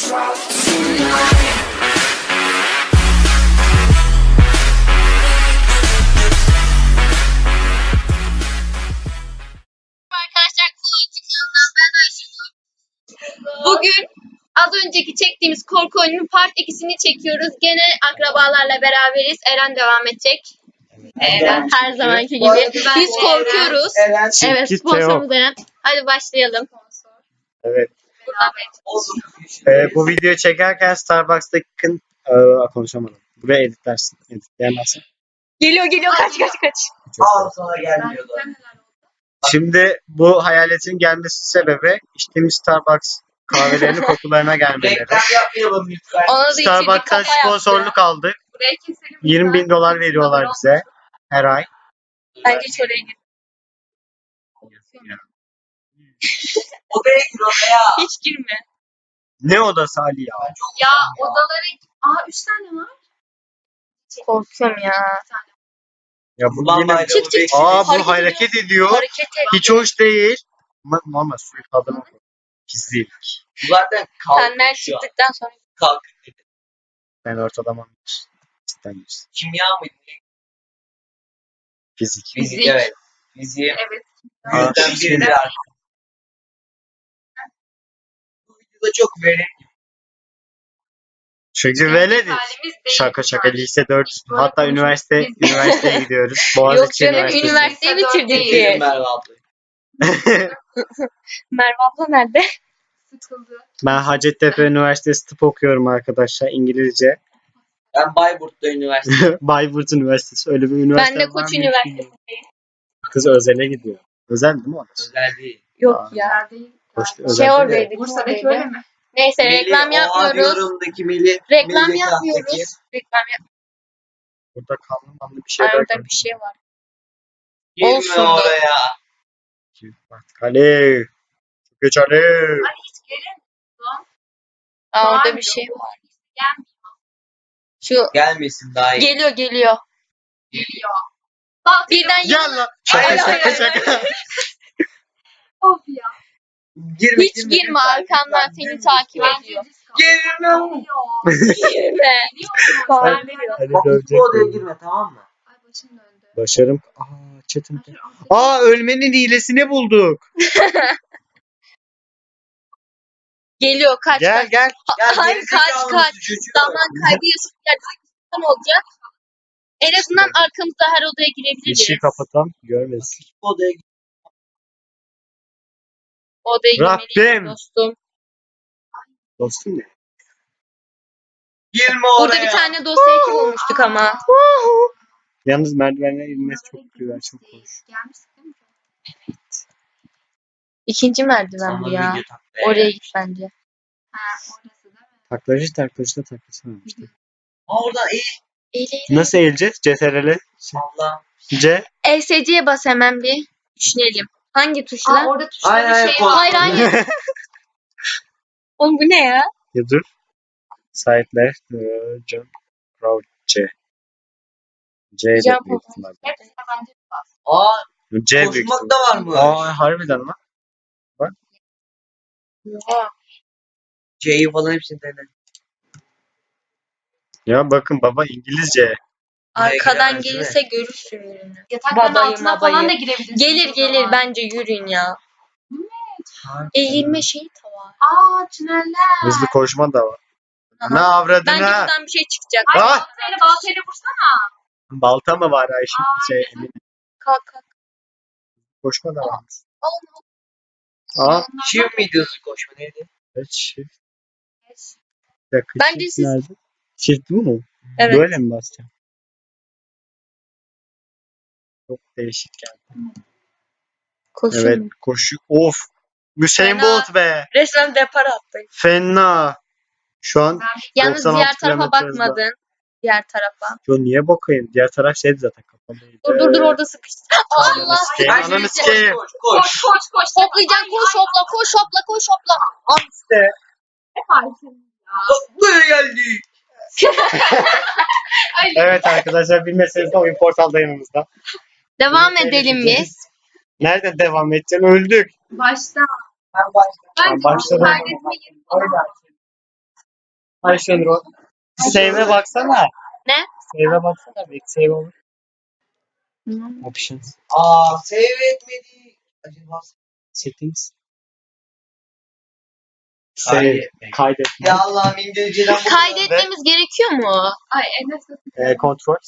Arkadaşlar bugün az önceki çektiğimiz korku oyununun part 2'sini çekiyoruz. Gene akrabalarla beraberiz. Eren devam edecek. Eren her zamanki gibi. Biz korkuyoruz. Evet, sponsorumuz Eren. Hadi başlayalım. Evet. Bu videoyu çekerken Starbucks'taki konuşamadım. Buraya editlersin. Editleyemezsin. Geliyor kaç. Al sana gelmiyordu. Şimdi bu hayaletin gelmesi sebebi içtiğimiz Starbucks kahvelerinin kokularına gelmeleri. Reklam yapmayalım lütfen. Ona da içirdik, Starbucks'tan kafa yaptı. sponsorluk aldık. Buraya keselim. 20.000 dolar veriyorlar bize her ay. Bence hiç oraya gir. Odaya gir odaya. Hiç girme. Ne odası Ali ya? Ya odalara... 3 tane var. Korkuyorum ya. Ya bu Ulan yine... bayramı Çık. bekliyoruz. Bu hareket ediyor. Hareket et. Hiç hoş değil. Normal suyu tadına koy. Pislik. Zaten Senden kalktık şu an. çıktıktan sonra. Kalktık. Ben ortalamam. Cidden Kimya mıydı? fizik. Fizik evet. Fiziğe Evet. yüzden biridir artık. Bu videoda çok verimli. Çünkü velediz. Halimiz değil. Şaka lise 4. Böyle Hatta konuşuyoruz. üniversiteye gidiyoruz. Yok Boğaziçi canım Üniversitesi. üniversiteyi bitirdik Değil biz. Merve abla. Merve abla nerede? Sıkıldı. Ben Hacettepe Üniversitesi tıp okuyorum arkadaşlar İngilizce. Ben Bayburt'ta üniversite. Bayburt Üniversitesi öyle bir üniversite Ben de var Koç mı? Üniversitesi'ndeyim. Kız özele gidiyor. Özel değil mi orası? Özel değil. Yok ya. Hoş, Şey özel oradaydı. Bursa'daki öyle mi? Neyse Melih, reklam o yapmıyoruz. Adıyaman'daki Melih. Reklam Melih yapmıyoruz. Kahtaki. Reklam yapmıyoruz. Burada kanlı bir şeyler Arada bir şey var. Girme Olsun. oraya. Artık Ali. Çok geç Ali. Ay hiç gelin. Orada bir şey var. Şu Gelmesin daha iyi. geliyor. Geliyor. Bak Birden Gel lan. Hayır, Şaka hayır, şaka. of ya. Girme, hiç girme arkamdan seni takip ediyor. Girme. Girme. Ali Bak dövecek hiçbir odaya beni. girme tamam mı? Ay başım döndü. Başarım. Çetin. Ölmenin hilesini bulduk. Geliyor kaç. Gel. Ya Hayır, gerizekalı kaç. mısın çocuğum? Zaman kaybı yaşayacak olacak. En azından arkamızda her odaya girebiliriz. İşi kapatan görmesin. Hiçbir odaya girme. Odaya girmeliyiz Rabbim. dostum. Dostum ne? Girme Burada oraya. bir tane dosya eki bulmuştuk ama. Yalnız merdivenler inmesi çok güzel, çok hoş. Gelmiştik değil mi? İkinci merdiven Sana bu ya. video taktı. Oraya git bence. Ha orası değil mi? Taklacı da taklasana işte. Oradan iyi. Nasıl eğileceğiz? CTRL. Allah. C. ESC'ye bas hemen bir. Düşünelim. Hangi tuşla? Orada tuşta Hayır, bir şey var. Hayır. Oğlum bu ne ya? Ya dur. Side left. Jump. Crouch. C. C de Jump büyük over. ihtimalle. Hepsine bence bas. Aa C büyük koşmak ihtimalle. da var mı? Harbiden mi? Oha. C'yi falan hepsini dene. Ya bakın baba İngilizce. Arkadan giremez, değil mi? gelirse görürsün ürünü. Yatakların Babayı, altına babayı. falan da girebilirsin. Gelir bence yürüyün ya. Eğilme şeyi de var. Tüneller. Hızlı koşma da var. Aha. Ne Bence avradına? buradan bir şey çıkacak. Ay Ah! baltayla vursana. Balta mı var Ayşe? Emin. Kalk. Koşma da var. Allah. Şiv videosu koşma neydi? Evet, shift. Bir dakika, Bence shift siz- nerede? Shift bu mu? Evet. Böyle mi basacağım? Çok değişik geldi. Koşun. Evet koşu. Of. Hüseyin Fena. Bolt be. Resmen depar attı. Fena. Şu an Yalnız 96 diğer tarafa kilometre hızla. bakmadın. Diğer tarafa. Yo niye bakayım? Diğer taraf şeydi zaten kapalıydı. Dur orada sıkıştı. Allah. sikeyim, Ay, ananı koş, sikeyim. koş, koş. Koş. Hoplayacaksın koş hopla. Al işte. Ne farkın ya? Buraya geldik. Evet arkadaşlar bilmeseniz de oyun portalda yanımızda. Devam edelim biz. Nerede devam edeceğim? Öldük. Başta. Ben başladım. Bence başladım. kaydetme yeri falan. Ayşenur o. Save'e baksana. Ne? Save'e baksana. Belki save olur. Options. Save etmedi. Acaba Settings. Save. Kaydetme. ya Allah'ım İngilizceden bu Kaydetmemiz gerekiyor mu? Ay Enes Kontrol.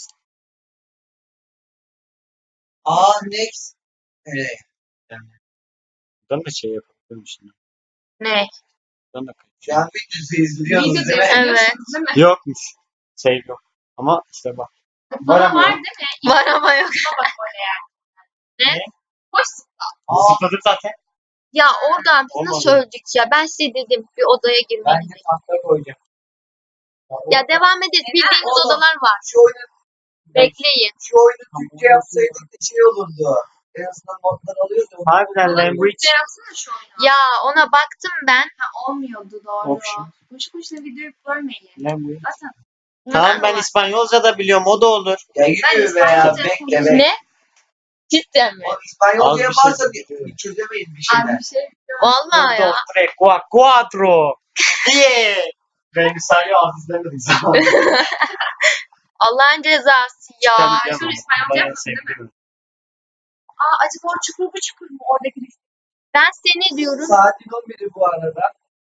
Next. Evet. Buradan da şey yapabilirim şimdi. Ne? Buradan da Şu an videosu izliyorsunuz Videoda değil mi? izliyorsunuz değil mi? Yokmuş. Save yok. Ama işte bak. Bana var değil mi? Var ama yok. İşine bak böyle yani. Ne? Hoş. Zıpladım zaten. Ya oradan biz Olmadı. nasıl öldük ya? Ben size dedim bir odaya Ben de girmeliyiz. tahta koyacağım. Ya devam edin. Bildiğimiz Oğlum. odalar var. Şu oyunu, Bekleyin. Türkçe yapsaydık da şey olurdu. En azından notlar alıyordu. Harbiden language. Türkçe yapsana şu oyunu. Ya ona baktım ben. Ha, olmuyordu doğru. Option. Boşu boşuna videoyu bölmeyin. Language. Zaten Tamam ben İspanyolca da biliyorum o da olur. Ya Ben yürü be ya. İspanyolca Bekle konuşuyorum. bekle. Ne? Cidden mi? İspanyolca Az bir yaparsa şey bir çözemeyiz bir az şeyler. bir şey biliyorum. Vallahi Dos, ya. tres, cuatro. Diye. Ben İspanyol azizlemedim. Allah'ın cezası ya. Şöyle İspanyolca yapmasın değil mi? Acaba o çukur bu çukur mu? Oradaki liste. Ben seni diyorum. Saatin 11'i bu arada.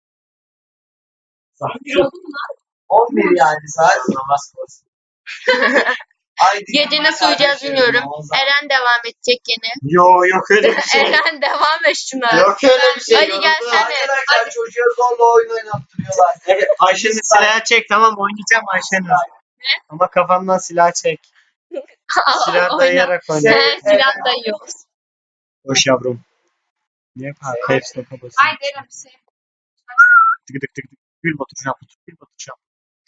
Bir oldu mu lan? 11 yani saat. Namaz kılsın. Ay, Gece nasıl uyuyacağız bilmiyorum. Eren devam edecek gene. Yok öyle bir şey. Eren devam et şuna. Yok öyle bir şey. Hadi Yoruldu. gelsene. Arkadaşlar çocuğa zorla oyun oynattırıyorlar. Evet Ayşenur silahı çek tamam oynayacağım Ayşenur. Ama kafamdan silah çek. Silah Oyna. dayayarak oyna. He, silah dayıyor. Hoş yavrum. Ne yapar? Hepsi basın. Ay derim bir şey. Tık tık tık tık. Gül batır şap. Gül batır şap.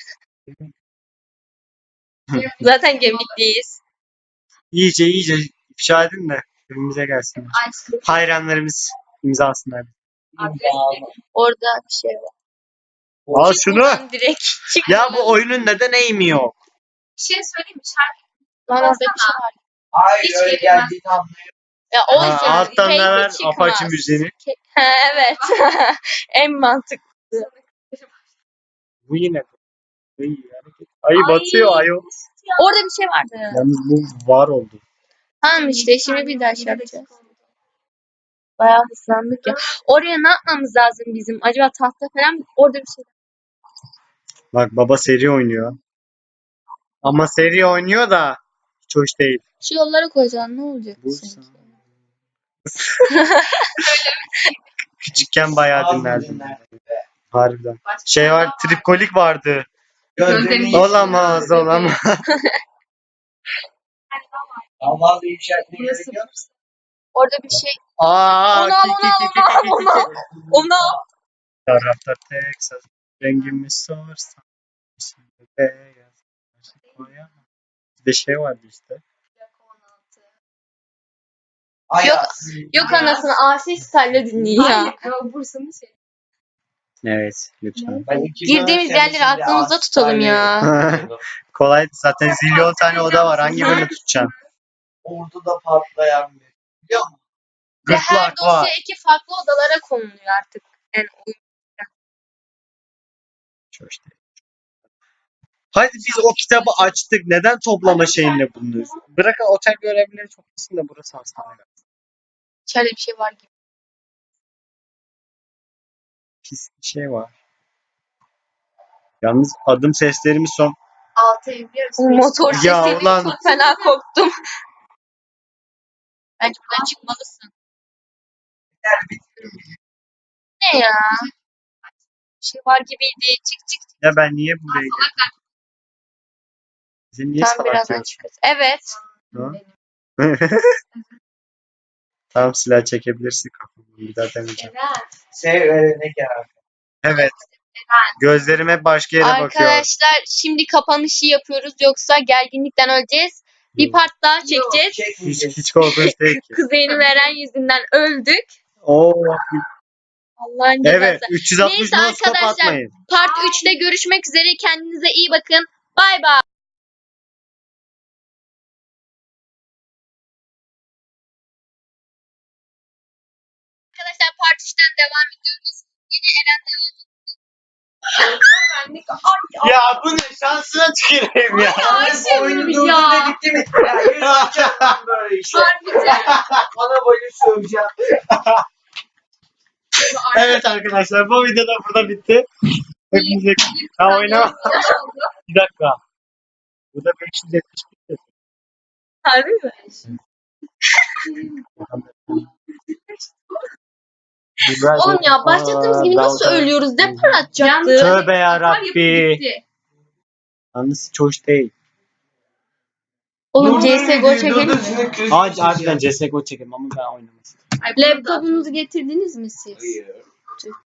Zaten gemikliyiz. İyice ifşa edin de evimize gelsinler. Ay Hayranlarımız imzasınlar. Orada bir şey var. Al şunu. Buradan direkt çık. Ya bu oyunun neden eğimi yok? bir şey söyleyeyim mi? Şarkı Lan orada bir şey var. Hayır Hiç öyle gelemez. geldiğini anlıyorum. Ya o Ha, yüzden alttan keyfi da ver çıkmaz. Apache müziğini. Ha, evet. En mantıklı. Bu yine. Ayı Ay. batıyor ayı. Orada bir şey vardı. Yalnız bu var oldu. Tamam işte şimdi bir daha şey yapacağız. Bayağı hızlandık ya. Oraya ne yapmamız lazım bizim? Acaba tahta falan mı? Orada bir şey. Bak baba seri oynuyor. Ama seri oynuyor da hiç hoş değil. Şu yollara koyacaksın ne olacak Bursa. sanki? Küçükken bayağı Az dinlerdim. dinlerdim. Harbiden. Başka Şey var daha tripkolik vardı. Gözlerini Olamaz olamaz. Ama bir işaretine Burası gerek yok. Orada bir şey. Aa, Onu al, onu al. Onu al. Tarafta Texas. Rengimi sorsan. Şimdi beyaz. Koyamam. Bir de şey vardı işte. Yok anasını Asil Style'le dinliyor ya. Hayır, Bursa'nın şey. Evet lütfen. Girdiğimiz yerleri aklımızda tutalım ya. Kolay zaten zilyon tane oda var. Hangi birini tutacaksın? Ordu'da patlayan bir. Biliyor musun? Ve her Gırtlak dosya var. 2 farklı odalara konuluyor artık. Yani Hiç hoş değil. Hadi biz o kitabı açtık. Neden toplama şeyinde bulunuyoruz? Bırakın otel görevlileri çok iyisin de burası hastane. içeride bir şey var gibi. Pis bir şey var. Yalnız adım seslerimiz son. 6 ev bir arası. Motor Ya sesiyle ulan. çok fena korktum. Bence buradan çıkmalısın. Ne ya? Bir şey var gibiydi. Çık çık. Ya ben niye buraya geldim? Bizi niye Tam salak birazdan diyorsun? çıkarız. Evet. Ha? Tamam silah çekebilirsin kafamı. Bir daha demeyeceğim. Sev öğrenek yarar. Evet. Gözlerim hep başka yere bakıyor. Arkadaşlar şimdi kapanışı yapıyoruz. Yoksa gerginlikten öleceğiz. Bir part daha çekeceğiz. Hiç korkunç değil ki. Kuzeyini veren yüzünden öldük. Oo. Allah'ın cezası. Evet 360 Neyse noskop arkadaşlar. atmayın. Part 3'te görüşmek üzere. Kendinize iyi bakın. Bay bay. Arkadaşlar part 3'ten devam ediyoruz. Yine Eren devam Benlik ay Ya bu ne? Şansına tüküreyim ya. Ayşe Oyunu ya. durdu da gitti mi? Ya yürüyeceğim ben böyle işe. harbiden. Bana boyu söveceğim. Evet arkadaşlar bu video da burada bitti. Hepinize ha oynama. Bir dakika. Bu da 571. Harbi mi? Oğlum ya başladığımız gibi nasıl ölüyoruz? Ne para atacaktı? Tövbe yarabbi. Bitti. Yalnız hiç hoş değil. Oğlum CSGO çekelim mi? Hadi harbiden CSGO çekelim ama ben oynamasın. Laptopunuzu getirdiniz mi siz? Hayır.